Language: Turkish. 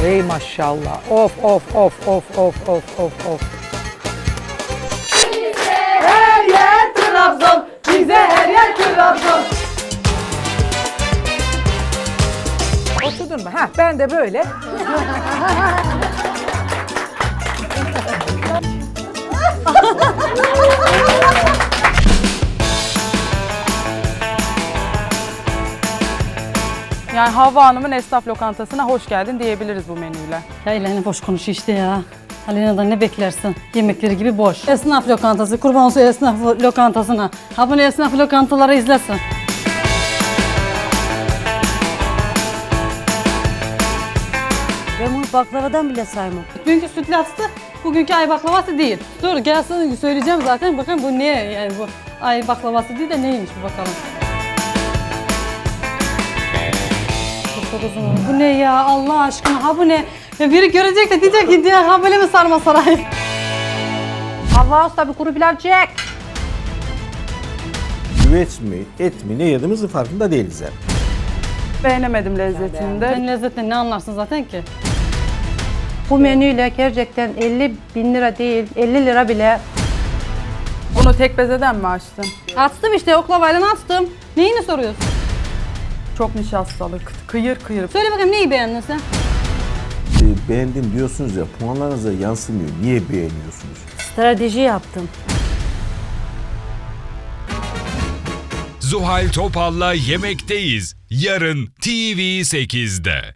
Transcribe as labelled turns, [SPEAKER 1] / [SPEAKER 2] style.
[SPEAKER 1] Ey maşallah. Of of of of of of of of.
[SPEAKER 2] Her yer Trabzon, bize her yer Trabzon.
[SPEAKER 1] Oturdun mu? Heh, ben de böyle.
[SPEAKER 3] Yani Havva Hanım'ın esnaf lokantasına hoş geldin diyebiliriz bu menüyle.
[SPEAKER 4] Ya Eleni boş konuş işte ya. Alena'dan ne beklersin? Yemekleri gibi boş. Esnaf lokantası, kurban olsun esnaf lokantasına. Ha bunu esnaf lokantaları izlesin.
[SPEAKER 5] Ben bunu baklavadan bile saymam.
[SPEAKER 4] Dünkü sütlaçtı, bugünkü ay baklavası değil. Dur gelsin söyleyeceğim zaten. Bakın bu ne yani bu ay baklavası değil de neymiş bir bakalım. Çok uzun. Bu ne ya Allah aşkına ha bu ne? Ya biri görecek de diyecek ki diye ha böyle mi sarma saray?
[SPEAKER 1] Havva Usta bir kuru pilav çek.
[SPEAKER 6] Güveç mi, et mi ne yediğimizin farkında değiliz yani.
[SPEAKER 3] Beğenemedim lezzetini de.
[SPEAKER 4] Sen lezzetten ne anlarsın zaten ki?
[SPEAKER 5] Bu menüyle gerçekten 50.000 lira değil, 50 lira bile.
[SPEAKER 3] Bunu tek bezeden mi açtın?
[SPEAKER 4] Açtım işte oklavayla açtım. Neyini soruyorsun?
[SPEAKER 3] Çok nişastalı, kıyır kıyır.
[SPEAKER 4] Söyle bakayım neyi beğendin sen?
[SPEAKER 6] Beğendim diyorsunuz ya, puanlarınıza yansımıyor. Niye beğeniyorsunuz?
[SPEAKER 5] Strateji yaptım.
[SPEAKER 7] Zuhal Topal'la Yemekteyiz. Yarın TV8'de.